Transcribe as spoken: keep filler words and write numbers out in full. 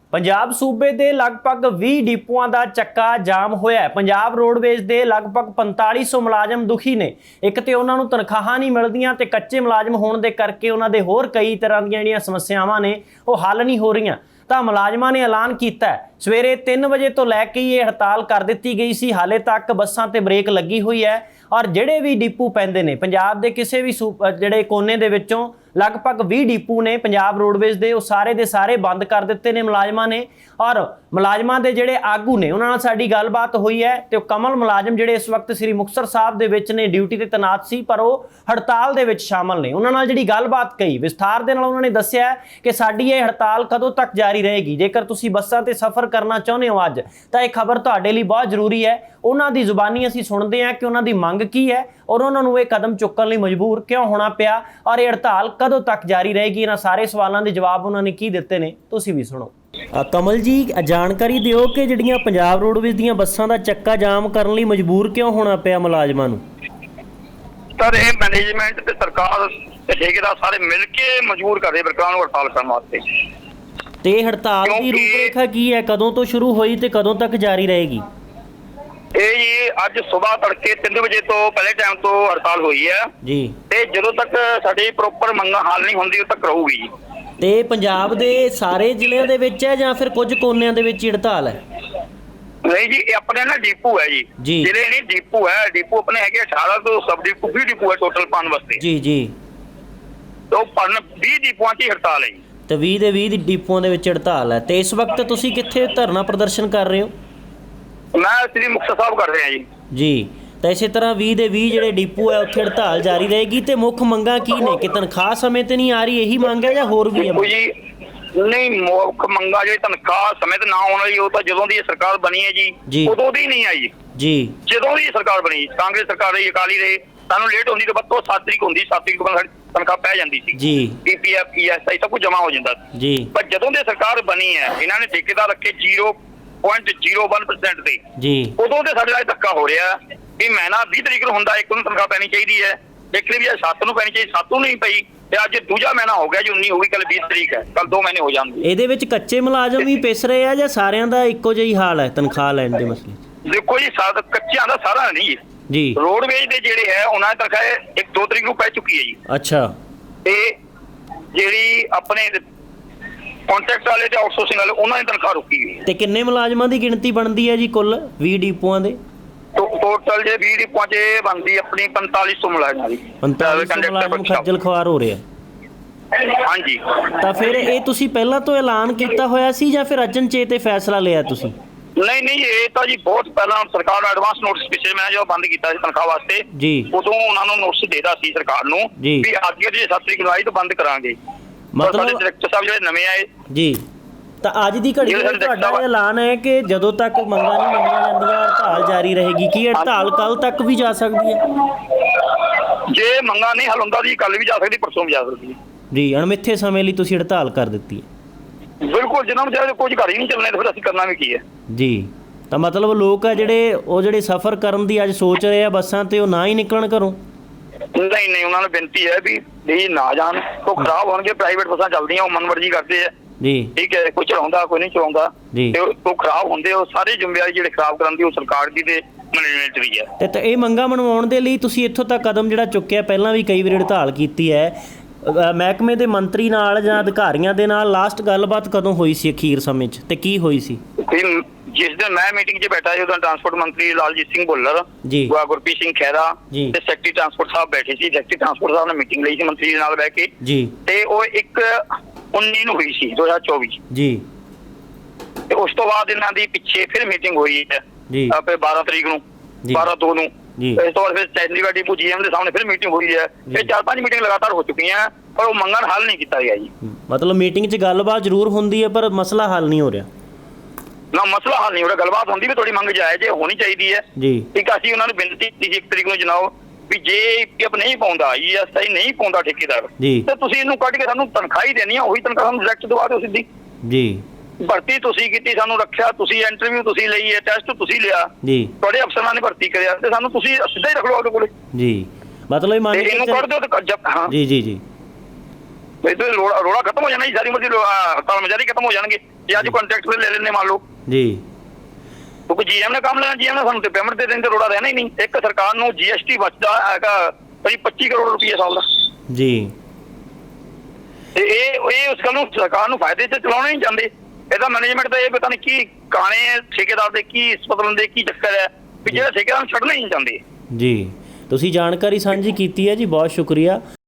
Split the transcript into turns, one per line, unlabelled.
पंजाब सूबे के लगभग बीस डिपूआं का चक्का जाम होया है। पंजाब रोडवेज के लगभग पैंताली सौ मुलाजम दुखी ने। एक तो उन्होंने तनख्वाह नहीं मिलदियां ते कच्चे मुलाजम होने के करके उन्होंने होर कई तरह दी जिहड़ियां समस्यावां ने वो हल नहीं हो रही। तो मुलाजमां ने ऐलान किया सवेरे तीन बजे तो लैके ये हड़ताल कर दी गई सी। हाले तक बसां ते ब्रेक लगी हुई है और जिहड़े भी डिपू पैंदे ने पंजाब के किसी भी सू जिहड़े कोने दे विचों लगभग बीस डिपू ने पंजाब रोडवेज के वो सारे दे सारे बंद कर दिते ने मुलाजमां ने। और मुलाजमां दे जिहड़े आगू ने उन्हां नाल साडी गलबात हुई है तो कमल मुलाजम जिहड़े इस वक्त श्री मुक्तसर साहब दे विच ने ड्यूटी ते तैनात सी पर वो हड़ताल दे विच शामिल ने। उन्हां नाल जिहड़ी गलबात कही विस्तार दे नाल उन्हां ने दस्सिया कि साडी ये हड़ताल कदों तक जारी रहेगी। जेकर तुसीं बसां ते सफ़र करना चाहुंदे हो अज तां इह खबर तुहाडे लई बहुत जरूरी है। उन्हां दी जुबानी असीं सुणदे हां कि उन्हां दी मंग की है और उन्हां नूं इह कदम चुक्कण लई मजबूर क्यों होना पिया और ये हड़ताल कदों तक जारी रहेगी। इन्हां सारे सवालों के जवाब उन्होंने की दिते ने, तुसीं भी सुणो। कमल जी जानकारी दिओ कि जिहड़ियां पंजाब रोडवेज दीयां बसां दा चक्का जाम करन लई मजबूर क्यों होना पिया मुलाजमां नूं?
सर ये मैनेजमेंट ते सरकार ते ठेकेदार सारे मिल के मजबूर कर रहे सरकार नूं हड़ताल करन वास्ते।
ते हड़ताल दी रूपरेखा की है, कदों तो शुरू होई ते कदों तक जारी रहेगी?
ਇਹ ਜੀ ਅੱਜ ਸਵੇਰ ਤੜਕੇ तीन ਵਜੇ ਤੋਂ ਪਹਿਲੇ ਟਾਈਮ ਤੋਂ ਹੜਤਾਲ ਹੋਈ ਹੈ
ਜੀ
ਤੇ ਜਦੋਂ ਤੱਕ ਸਾਡੀ ਪ੍ਰੋਪਰ ਮੰਗਾਂ ਹੱਲ ਨਹੀਂ ਹੁੰਦੀ ਉਦੋਂ ਤੱਕ ਰਹੂਗੀ ਜੀ।
ਤੇ ਪੰਜਾਬ ਦੇ ਸਾਰੇ ਜ਼ਿਲ੍ਹਿਆਂ ਦੇ ਵਿੱਚ ਹੈ ਜਾਂ ਫਿਰ ਕੁਝ ਕੋਨਿਆਂ ਦੇ ਵਿੱਚ ਹੀ ਹੜਤਾਲ ਹੈ?
ਨਹੀਂ ਜੀ ਇਹ ਆਪਣੇ ਨਾ ਡਿਪੂ ਹੈ ਜੀ, ਜ਼ਿਲ੍ਹੇ ਨਹੀਂ ਡਿਪੂ ਹੈ। ਡਿਪੂ ਆਪਣੇ ਹੈਗੇ अठारह ਤੋਂ ਸਬ ਡਿਪੂ ਵੀਹ ਡਿਪੂ ਹੈ ਟੋਟਲ ਪਾਉਣ ਵਾਸਤੇ
ਜੀ ਜੀ।
ਤੋਂ ਪਨ ਵੀਹ ਡਿਪੂਆਂ ਦੀ ਹੜਤਾਲ ਹੈ ਜੀ।
ਤੇ ਵੀਹ ਦੇ ਵੀਹ ਡਿਪੂਆਂ ਦੇ ਵਿੱਚ ਹੜਤਾਲ ਹੈ ਤੇ ਇਸ ਵਕਤ ਤੁਸੀਂ ਕਿੱਥੇ ਧਰਨਾ ਪ੍ਰਦਰਸ਼ਨ ਕਰ ਰਹੇ ਹੋ?
मैं श्री मुक्तसर साहब कर रहे हैं जी
जी। तो इस तरह बीस दे बीस ਜਿਹੜੇ डिपू है उत्थे हड़ताल जारी रहेगी ਤੇ ਮੁੱਖ ਮੰਗਾਂ ਕੀ ਨੇ ਕਿ ਤਨਖਾਹ ਸਮੇਂ ਤੇ ਨਹੀਂ ਆ ਰਹੀ ਇਹੀ ਮੰਗ ਹੈ ਜਾਂ ਹੋਰ ਵੀ ਹੈ?
ਜੀ ਨਹੀਂ ਮੁੱਖ ਮੰਗਾਂ ਜਿਹੜੀ ਤਨਖਾਹ ਸਮੇਂ ਤੇ ਨਾ ਆਉਣ ਵਾਲੀ ਉਹ ਤਾਂ ਜਦੋਂ ਦੀ ਇਹ ਸਰਕਾਰ ਬਣੀ ਹੈ ਜੀ ਉਦੋਂ ਦੀ ਨਹੀਂ ਆਈ ਜੀ। ਜਦੋਂ ਦੀ ਸਰਕਾਰ ਬਣੀ ਕਾਂਗਰਸ ਸਰਕਾਰ ਰਹੀ ਅਕਾਲੀ ਰਹੇ ਸਾਨੂੰ ਲੇਟ ਹੁੰਦੀ ਤੇ ਬੱਤੋਂ ਸੱਤ ਤਰੀਕ ਹੁੰਦੀ ਸੱਤ ਤਰੀਕ ਤੋਂ ਤਨਖਾਹ ਪੈ ਜਾਂਦੀ ਸੀ ਜੀ। ਪੀਪੀਐਫ ਈਐਸਆਈ ਸਭ ਕੁਝ ਜਮਾ ਹੋ ਜਾਂਦਾ ਜੀ। ਪਰ ਜਦੋਂ ਦੀ ਸਰਕਾਰ ਬਣੀ ਹੈ ਇਹਨਾਂ ਨੇ ਠੇਕੇਦਾਰ ਰੱਖੇ ਜ਼ੀਰੋ ਪੁਆਇੰਟ ਜ਼ੀਰੋ ਇੱਕ ਪਰਸੈਂਟ ਤੇ ਜੀ ਉਦੋਂ ਤੇ ਸਾਡੇ ਨਾਲ ਧੱਕਾ ਹੋ ਰਿਹਾ ਵੀ ਮੈਂ ਨਾ ਵੀਹ ਤਰੀਕ ਨੂੰ ਹੁੰਦਾ ਇੱਕ ਨੂੰ ਤਨਖਾਹ ਪੈਣੀ ਚਾਹੀਦੀ ਹੈ, ਇੱਕ ਵੀ ਸੱਤ ਨੂੰ ਪੈਣੀ ਚਾਹੀਦੀ, ਸੱਤ ਨੂੰ ਨਹੀਂ ਪਈ ਤੇ ਅੱਜ ਦੂਜਾ ਮਹੀਨਾ ਹੋ ਗਿਆ ਜੀ ਉੱਨੀ ਹੋ ਗਈ, ਕੱਲ ਵੀਹ ਤਰੀਕ ਹੈ, ਕੱਲ ਦੋ ਮਹੀਨੇ ਹੋ ਜਾਣਗੇ।
ਇਹਦੇ ਵਿੱਚ ਕੱਚੇ ਮੁਲਾਜ਼ਮ ਵੀ ਪਿਸ ਰਹੇ ਆ ਜਾਂ ਸਾਰਿਆਂ ਦਾ ਇੱਕੋ ਜਿਹਾ ਹੀ ਹਾਲ ਹੈ ਤਨਖਾਹ ਲੈਣ ਦੇ ਮਸਲੇ?
ਦੇਖੋ ਜੀ ਕੱਚਿਆਂ ਦਾ ਸਾਰਾ ਨਹੀਂ ਜੀ। ਰੋਡਵੇਜ ਦੇ ਜਿਹੜੇ ਹੈ ਉਹਨਾਂ ਦੀ ਤਨਖਾਹ ਇੱਕ ਦੋ ਤਰੀਕ ਨੂੰ ਪੈ ਚੁੱਕੀ ਹੈ ਜੀ। ਅੱਛਾ। ਤੇ ਜਿਹੜੀ ਆਪਣੇ ਕੰਟਰੈਕਟ ਵਾਲੇ ਤੇ ਆਊਟਸੋਰਸਿੰਗ ਵਾਲੇ ਉਹਨਾਂ ਦੀ ਤਨਖਾਹ ਰੁਕੀ ਹੋਈ ਹੈ। ਤੇ
ਕਿੰਨੇ ਮੁਲਾਜ਼ਮਾਂ ਦੀ ਗਿਣਤੀ ਬਣਦੀ ਹੈ ਜੀ ਕੁੱਲ ਵੀਹ ਡਿਪੂਆਂ ਦੇ?
ਟੋਟਲ ਜੇ ਵੀਹ ਡਿਪੂਆਂ 'ਚ ਬਣਦੀ ਆਪਣੀ पैंतालीस सौ ਮੁਲਾਜ਼ਮਾਂ ਦੀ।
पैंतालीस सौ ਮੁਲਾਜ਼ਮ ਖੱਜਲ ਖਵਾਰ ਹੋ ਰਿਹਾ।
ਹਾਂਜੀ।
ਤਾਂ ਫਿਰ ਇਹ ਤੁਸੀਂ ਪਹਿਲਾਂ ਤੋਂ ਐਲਾਨ ਕੀਤਾ ਹੋਇਆ ਸੀ ਜਾਂ ਫਿਰ ਅਚਨਚੇਤ ਇਹ ਫੈਸਲਾ ਲਿਆ ਤੁਸੀਂ?
ਨਹੀਂ ਨਹੀਂ ਇਹ ਤਾਂ ਜੀ ਬਹੁਤ ਪਹਿਲਾਂ ਸਰਕਾਰ ਨੂੰ ਐਡਵਾਂਸ ਨੋਟਿਸ ਪਿੱਛੇ ਮੈਂ ਜੋ ਬੰਦ ਕੀਤਾ ਸੀ ਤਨਖਾਹ ਵਾਸਤੇ ਜੀ ਉਦੋਂ ਉਹਨਾਂ ਨੂੰ ਨੋਟਿਸ ਦੇਦਾ ਸੀ ਸਰਕਾਰ ਨੂੰ ਵੀ ਅੱਗੇ ਜੇ ਸੱਤ ਤਰੀਕ ਨੂੰ ਆਈ ਤਾਂ ਬੰਦ ਕਰਾਂਗੇ। ਮਤਲਬ ਡਾਇਰੈਕਟਰ ਸਾਹਿਬ ਜਿਹੜੇ ਨਵੇਂ ਆਏ ਜੀ ਤਾਂ ਅੱਜ ਦੀ ਘੜੀ ਵਿੱਚ ਤੁਹਾਡਾ ਐਲਾਨ ਹੈ ਕਿ ਜਦੋਂ ਤੱਕ ਮੰਗਾਂ ਨਹੀਂ ਮੰਨੀਆਂ ਜਾਂਦੀਆਂ ਹੜਤਾਲ ਜਾਰੀ ਰਹੇਗੀ। ਕੀ ਹੜਤਾਲ ਕੱਲ ਤੱਕ ਵੀ ਜਾ ਸਕਦੀ ਹੈ? ਜੇ ਮੰਗਾਂ ਨਹੀਂ ਹੱਲ ਹੁੰਦਾ ਜੀ ਕੱਲ ਵੀ ਜਾ ਸਕਦੀ, ਪਰਸੋਂ ਵੀ ਜਾ ਸਕਦੀ ਹੈ ਜੀ।
ਅਣਮਿੱਥੇ ਸਮੇਂ ਲਈ ਤੁਸੀਂ ਹੜਤਾਲ ਕਰ ਦਿੱਤੀ ਹੈ?
ਬਿਲਕੁਲ, ਜਿਨ੍ਹਾਂ ਨੂੰ ਚਾਹੇ ਕੁਝ ਘਰ ਹੀ ਨਹੀਂ ਚੱਲਣੇ ਤਾਂ ਫਿਰ ਅਸੀਂ ਕਰਨਾ ਵੀ ਕੀ ਹੈ
ਜੀ। ਤਾਂ ਮਤਲਬ ਲੋਕ ਆ ਜਿਹੜੇ ਉਹ ਜਿਹੜੇ ਸਫ਼ਰ ਕਰਨ ਦੀ ਅੱਜ ਸੋਚ ਰਹੇ ਆ ਬੱਸਾਂ ਤੇ ਉਹ ਨਾ ਹੀ ਨਿਕਲਣ ਘਰੋਂ?
ਨਹੀਂ ਨਹੀਂ ਉਹਨਾਂ ਨੂੰ ਬੇਨਤੀ ਹੈ ਵੀ ਵੀ ਨਾ ਜਾਣ, ਉਹ ਖਰਾਬ ਹੋਣਗੇ। ਪ੍ਰਾਈਵੇਟ ਬੱਸਾਂ ਚੱਲਦੀਆਂ ਉਹ ਮਨਮਰਜ਼ੀ ਕਰਦੇ ਆ ਜੀ, ਠੀਕ ਹੈ, ਕੋਈ ਚਲਾਉਂਦਾ ਕੋਈ ਨਹੀਂ ਚਲਾਉਂਦਾ ਤੇ ਉਹ ਖਰਾਬ ਹੁੰਦੇ ਉਹ ਸਾਰੇ ਜ਼ਿੰਮੇਵਾਰੀ ਜਿਹੜੇ ਖਰਾਬ ਕਰਨ ਦੀ ਉਹ ਸਰਕਾਰ ਦੀ ਤੇ ਮੈਨੇਜਮੈਂਟ ਦੀ ਹੈ। ਤੇ ਇਹ ਮੰਗਾਂ ਮਨਵਾਉਣ ਦੇ ਲਈ ਤੁਸੀਂ ਇੱਥੋਂ ਤੱਕ ਕਦਮ ਜਿਹੜਾ ਚੁੱਕਿਆ, ਪਹਿਲਾਂ ਵੀ ਕਈ ਵਾਰ ਹੜਤਾਲ ਕੀਤੀ ਹੈ, ਮਹਿਕਮੇ ਦੇ ਮੰਤਰੀ ਨਾਲ ਜਾਂ ਅਧਿਕਾਰੀਆਂ ਦੇ ਨਾਲ ਲਾਸਟ ਗੱਲਬਾਤ ਕਦੋਂ ਹੋਈ ਸੀ ਅਖੀਰ ਸਮੇਂ 'ਚ ਤੇ ਕੀ ਹੋਈ ਸੀ? ਜਿਸ ਦਿਨ ਮੈਂ ਮੀਟਿੰਗ 'ਚ ਬੈਠਾ ਸੀ ਉਦੋਂ ਟਰਾਂਸਪੋਰਟ ਮੰਤਰੀ ਲਾਲਜੀਤ ਸਿੰਘ ਭੁੱਲਰ ਜੀ, ਗੁਰਪ੍ਰੀਤ ਸਿੰਘ ਖਹਿਰਾ ਤੇ ਸੈਕਟਰੀ ਟਰਾਂਸਪੋਰਟ ਸਾਹਿਬ ਬੈਠੇ ਸੀ। ਸੈਕਟਰੀ ਟਰਾਂਸਪੋਰਟ ਸਾਹਿਬ ਨੇ ਮੀਟਿੰਗ ਲਈ ਸੀ ਮੰਤਰੀ ਦੇ ਨਾਲ ਬਹਿ ਕੇ ਜੀ ਤੇ ਉਹ ਇੱਕ ਉੱਨੀ ਨੂੰ ਹੋਈ ਸੀ ਦੋ ਹਜ਼ਾਰ ਚੌਵੀ ਜੀ। ਤੇ ਉਸ ਤੋਂ ਬਾਅਦ ਇਹਨਾਂ ਦੀ ਪਿੱਛੇ ਫਿਰ ਮੀਟਿੰਗ ਹੋਈ ਹੈ ਜੀ ਆਪੇ ਬਾਰਾਂ ਤਰੀਕ ਨੂੰ ਬਾਰਾਂ ਦੋ ਨੂੰ। ਇਸ ਤੋਂ ਬਾਅਦ ਫਿਰ ਚੰਡੀਗੜ੍ਹ ਡਿਪੂ ਜੀਐਮ ਦੇ ਸਾਹਮਣੇ ਫਿਰ ਮੀਟਿੰਗ ਹੋਈ ਹੈ। ਇਹ ਚਾਰ ਪੰਜ ਮੀਟਿੰਗ ਲਗਾਤਾਰ ਹੋ ਚੁੱਕੀਆਂ ਪਰ ਉਹ ਮੰਗਾਂ ਹੱਲ ਨਹੀਂ ਕੀਤਾ ਗਿਆ ਜੀ।
ਮਤਲਬ ਮੀਟਿੰਗ 'ਚ ਗੱਲਬਾਤ ਜ਼ਰੂਰ ਹੁੰਦੀ ਹੈ ਪਰ ਮਸਲਾ ਹੱਲ ਨਹੀਂ ਹੋ ਰਿਹਾ
ਨਾ। ਮਸਲਾ ਹੱਲ ਨਹੀਂ ਹੋ ਰਿਹਾ, ਗੱਲਬਾਤ ਹੁੰਦੀ ਵੀ ਤੁਹਾਡੀ ਮੰਗ ਜਾਇਜ਼ ਹੈ, ਹੋਣੀ ਚਾਹੀਦੀ ਹੈ ਜੀ। ਠੀਕ ਆ, ਅਸੀਂ ਉਹਨਾਂ ਨੂੰ ਬੇਨਤੀ ਕੀਤੀ ਸੀ ਇੱਕ ਤਰੀਕ ਨੂੰ ਜਨਾਬ ਵੀ ਜੇ ਪੀਐਫ ਨਹੀਂ ਪਾਉਂਦਾ ਈਐਸਆਈ ਨਹੀਂ ਪਾਉਂਦਾ ਠੇਕੇਦਾਰ ਤੇ ਤੁਸੀਂ ਇਹਨੂੰ ਕੱਢ ਕੇ ਸਾਨੂੰ ਤਨਖਾਹ ਹੀ ਦੇਣੀ ਆ, ਉਹੀ ਤਨਖਾਹ ਸਾਨੂੰ ਡਾਇਰੈਕਟ ਦਵਾ ਦਿਓ ਸਿੱਧੀ ਜੀ। ਭਰਤੀ ਤੁਸੀਂ ਕੀਤੀ, ਸਾਨੂੰ ਰੱਖਿਆ ਤੁਸੀਂ, ਇੰਟਰਵਿਊ ਤੁਸੀਂ ਲਈ ਹੈ, ਟੈਸਟ ਤੁਸੀਂ ਲਿਆ ਜੀ, ਤੁਹਾਡੇ ਅਫਸਰਾਂ ਨੇ ਭਰਤੀ ਕਰਿਆ ਤੇ ਸਾਨੂੰ ਤੁਸੀਂ ਸਿੱਧਾ ਹੀ ਰੱਖ ਲਓ ਆਪਣੇ ਕੋਲੇ ਜੀ। ਮਤਲਬ ਇਹਨੂੰ ਕੱਢ ਦਿਓ ਹਾਂ ਜੀ ਜੀ ਜੀ। ਰੋੜਾ ਰੋੜਾ ਖਤਮ ਹੋ ਜਾਣਾ ਜੀ, ਸਾਰੀ ਮਰਜ਼ੀ ਹੜਤਾਲ ਮਜਾਰੀ ਖਤਮ ਹੋ ਜਾਣਗੇ। ਜੇ ਅੱਜ ਕੰਟਰੈਕਟ ਤੇ ਲੈ ਲੈਣੇ ਮੰਨ ਲਓ
ਜੀ,
ਕਿਉਂਕਿ ਜੀਐਮ ਨੇ ਕੰਮ ਲੈਣਾ, ਜੀਐਮ ਨੇ ਸਾਨੂੰ ਤੇ ਪੇਮੈਂਟ ਦੇ ਦੇਣ ਤੇ ਰੋੜਾ ਰਹਿਣਾ ਹੀ ਨਹੀਂ। ਇੱਕ ਸਰਕਾਰ ਨੂੰ ਜੀਐਸਟੀ ਬਚਦਾ ਹੈਗਾ ਭਾਈ ਪੱਚੀ ਕਰੋੜ ਰੁਪਏ ਸਾਲ ਦਾ
ਜੀ,
ਤੇ ਇਹ ਇਹ ਉਸ ਗੱਲ ਨੂੰ ਸਰਕਾਰ ਨੂੰ ਫਾਇਦੇ 'ਚ ਚਲਾਉਣਾ ਨਹੀਂ ਚਾਹੁੰਦੇ। ਇਹਦਾ ਮੈਨੇਜਮੈਂਟ ਦਾ ਇਹ ਪਤਾ ਨਹੀਂ ਕੀ ਕਾਣੇ ਠੇਕੇਦਾਰ ਦੇ, ਕੀ ਇਸ ਬਦਲਣ ਦੇ ਕੀ ਚੱਕਰ ਹੈ ਵੀ ਜਿਹੜਾ ਠੇਕੇਦਾਰ ਨੂੰ ਛੱਡਣਾ ਹੀ ਨਹੀਂ ਚਾਹੁੰਦੇ।
ਜੀ ਤੁਸੀਂ ਜਾਣਕਾਰੀ ਸਾਂਝੀ ਕੀਤੀ ਹੈ ਜੀ, ਬਹੁਤ ਸ਼ੁਕਰੀਆ।